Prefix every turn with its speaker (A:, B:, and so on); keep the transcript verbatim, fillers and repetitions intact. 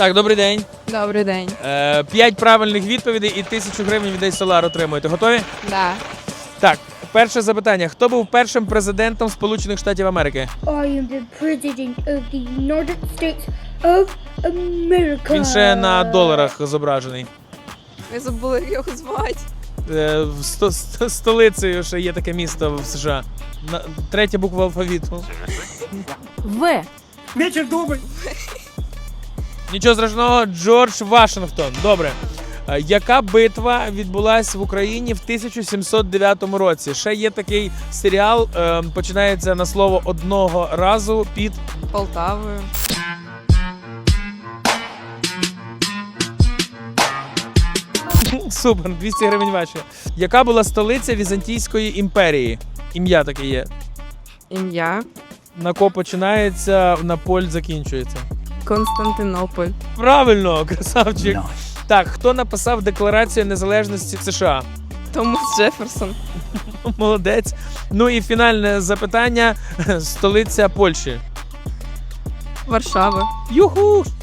A: Так, добрий день.
B: Добрий день.
A: Е, П'ять правильних відповідей і тисячу гривень від Solar отримуєте. Готові?
B: Да.
A: Так, перше запитання. Хто був першим президентом Сполучених Штатів Америки?
C: I am the president of the United States of America.
A: Він ще на доларах зображений.
B: Ви забули, як його звати.
A: Е, в сто, сто, столицею ще є таке місто в США. На, третя буква алфавіту.
B: В.
A: Нічого страшного, Джордж Вашингтон. Добре. Е, Яка битва відбулася в Україні в тисяча сімсот дев'ятому році? Ще є такий серіал, е, починається на слово одного разу під...
B: Полтавою.
A: Супер, двісті гривень ваші. Яка була столиця Візантійської імперії? Ім'я таке є.
B: Ім'я.
A: На ко починається, на поль закінчується.
B: Константинополь.
A: Правильно, красавчик. Так, хто написав Декларацію незалежності США?
B: Томас Джеферсон.
A: Молодець. Ну і фінальне запитання. Столиця Польщі.
B: Варшава.
A: Юху!